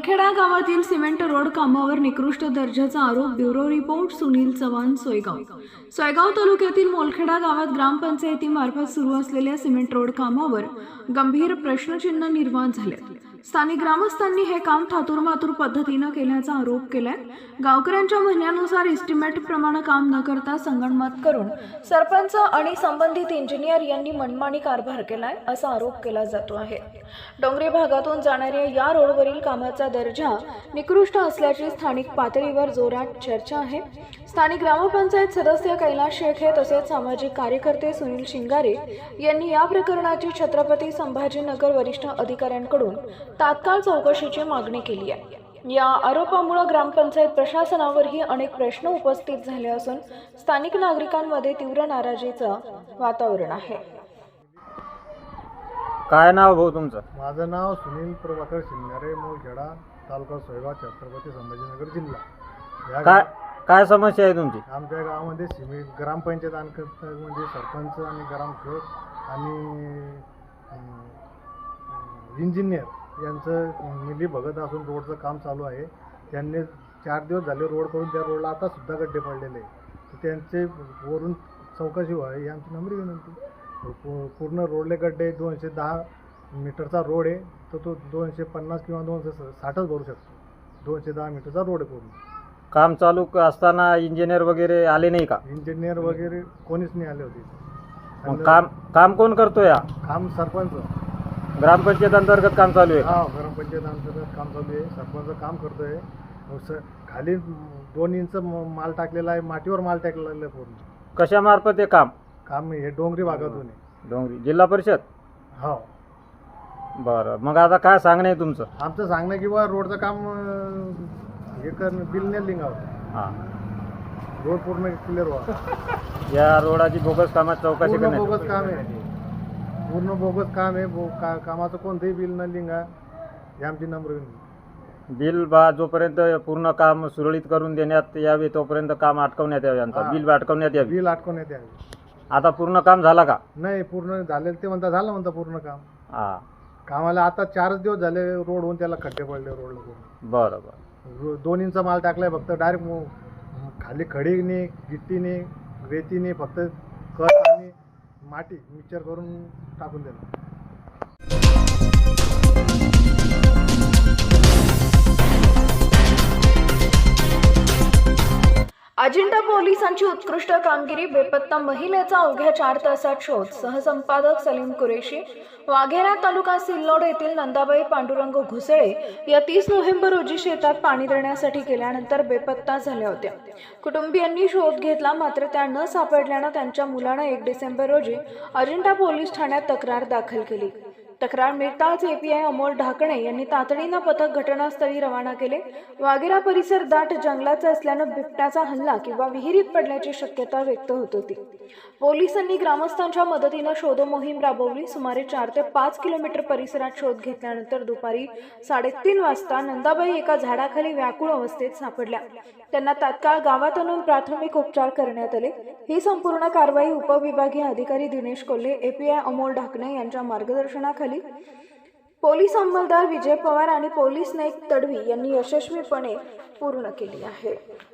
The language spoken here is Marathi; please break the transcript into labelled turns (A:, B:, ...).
A: मोलखेडा गावातील सिमेंट रोड कामावर निकृष्ट दर्जाचा आरोप. ब्युरो रिपोर्ट सुनील चव्हाण, सोयगाव तालुक्यातील मोलखेडा गावात ग्रामपंचायतीमार्फत सुरू असलेल्या सिमेंट रोड कामावर गंभीर प्रश्नचिन्ह निर्माण झाले. स्थानिक ग्रामस्थांनी हे काम थातूरमातूर पद्धतीने केल्याचा आरोप केलाय. गावकऱ्यांच्या म्हणण्यानुसार इस्टिमेट प्रमाणे काम न करता संगनमत करून सरपंच आणि संबंधित इंजिनियर यांनी मनमानी कारभार केलाय असा आरोप केला जातो आहे. डोंगरी भागातून जाणाऱ्या या रोडवरील कामाचा दर्जा निकृष्ट असल्याची स्थानिक पातळीवर जोरात चर्चा आहे. स्थानिक ग्रामपंचायत सदस्य कैलास शेखे तसेच सामाजिक कार्यकर्ते सुनील शिंगारे यांनी या प्रकरणाची छत्रपती संभाजीनगर वरिष्ठ अधिकाऱ्यांकडून तात्काळ चौकशीची मागणी केली आहे. या आरोपामुळे ग्रामपंचायत प्रशासनावरही अनेक प्रश्न उपस्थित झाले असून स्थानिक नागरिकांमध्ये तीव्र नाराजीचं वातावरण आहे.
B: काय नाव भाऊ तुमचं?
C: माझं नाव सुनील प्रभाकर शिंगारे, मोलखेडा, तालुका सोयगाव, छत्रपती संभाजीनगर जिल्हा.
B: काय समस्या आहे तुमची?
C: आमच्या गावामध्ये सिमेंट ग्रामपंचायत म्हणजे सरपंच आणि ग्रामसेवक आणि इंजिनियर यांचं मिली भगत असून रोडचं काम चालू आहे. त्यांनी 4 दिवस झाले रोड करून त्या रोडला आता सुद्धा गड्डे पडलेले आहे. तर त्यांचे वरून चौकशी व्हावी ही आमची नम्र विनंती. पूर्ण रोडले गड्डे 210 मीटरचा रोड आहे, तर तो 250 किंवा 260च भरू शकतो. 210 मीटरचा रोड आहे पूर्ण.
B: काम चालू असताना इंजिनियर वगैरे आले नाही का?
C: इंजिनियर वगैरे कोणीच नाही आले होते.
B: मग काम कोण करतोय?
C: काम सरपंच.
B: ग्रामपंचायत अंतर्गत काम चालू आहे?
C: हा, ग्रामपंचायत अंतर्गत काम चालू आहे. सरपंच काम करतोय. खाली 2 इंच माल टाकलेला आहे, मातीवर माल टाकलेला आहे पूर्ण.
B: कशामार्फत हे काम?
C: हे डोंगरी भागातून आहे.
B: डोंगरी जिल्हा परिषद?
C: हो.
B: बरं, मग आता काय सांगणं आहे तुमचं?
C: आमचं सांगणं की बा रोडचं काम हे करणं, बिल नाही लिंगावं.
B: हां,
C: रोड पूर्ण क्लिअर व्हा.
B: या रोडाची बोगस कामात चौकशी
C: पूर्ण
B: करण्यात
C: बोगस काम आहे. पूर्ण बोगस काम आहे. कामाचं कोणतंही बिल न लिंगा हे आमची नम्र विनंती.
B: बिल जोपर्यंत पूर्ण काम सुरळीत करून देण्यात यावे तोपर्यंत काम अटकवण्यात यावे. यांचं बिल अटकवण्यात यावे.
C: बिल अटकवण्यात यावे.
B: आता पूर्ण काम झालं का?
C: नाही, पूर्ण झालेलं ते झालं पूर्ण काम.
B: हां,
C: कामाला आता 4 दिवस झाले रोड होऊन त्याला खड्डे पडले रोडला पूर्ण.
B: बरं.
C: 2 इंच माल टाकलाय फक्त. डायरेक्ट खाली खडीने, गिट्टीने, रेतीने फक्त खत आणि माती मिक्सर करून टाकून देणार.
A: अजिंठा पोलिसांची उत्कृष्ट कामगिरी. बेपत्ता महिलेचा अवघ्या 4 तासात शोध. सहसंपादक सलीम कुरेशी. वाघेरा तालुका सिल्लोड येथील नंदाबाई पांडुरंग घुसळे या 30 नोव्हेंबर रोजी शेतात पाणी देण्यासाठी गेल्यानंतर बेपत्ता झाल्या होत्या. कुटुंबियांनी शोध घेतला, मात्र त्या न सापडल्यानं त्यांच्या मुलानं 1 डिसेंबर रोजी अजिंठा पोलीस ठाण्यात तक्रार दाखल केली. तक्रार मिळताच API अमोल ढाकणे यांनी तातडीनं पथक घटनास्थळी रवाना केले. वाघेरा परिसर दाट जंगलाचा असल्यानं बिबट्याचा हल्ला किंवा विहिरीत पडल्याची शक्यता व्यक्त होत होती. पोलिसांनी ग्रामस्थांच्या मदतीनं शोध मोहीम राबवली. सुमारे 4 ते 5 किलोमीटर परिसरात शोध घेतल्यानंतर दुपारी 3:30 वाजता नंदाबाई एका झाडाखाली व्याकुळ अवस्थेत सापडल्या. त्यांना तात्काळ गावात आणून प्राथमिक उपचार करण्यात आले. ही संपूर्ण कारवाई उपविभागीय अधिकारी दिनेश कोल्हे, API अमोल ढाकणे यांच्या मार्गदर्शनाखाली पोलीस अंमलदार विजय पवार आणि पोलीस नाईक तडवी यांनी यशस्वीपणे पूर्ण केली आहे.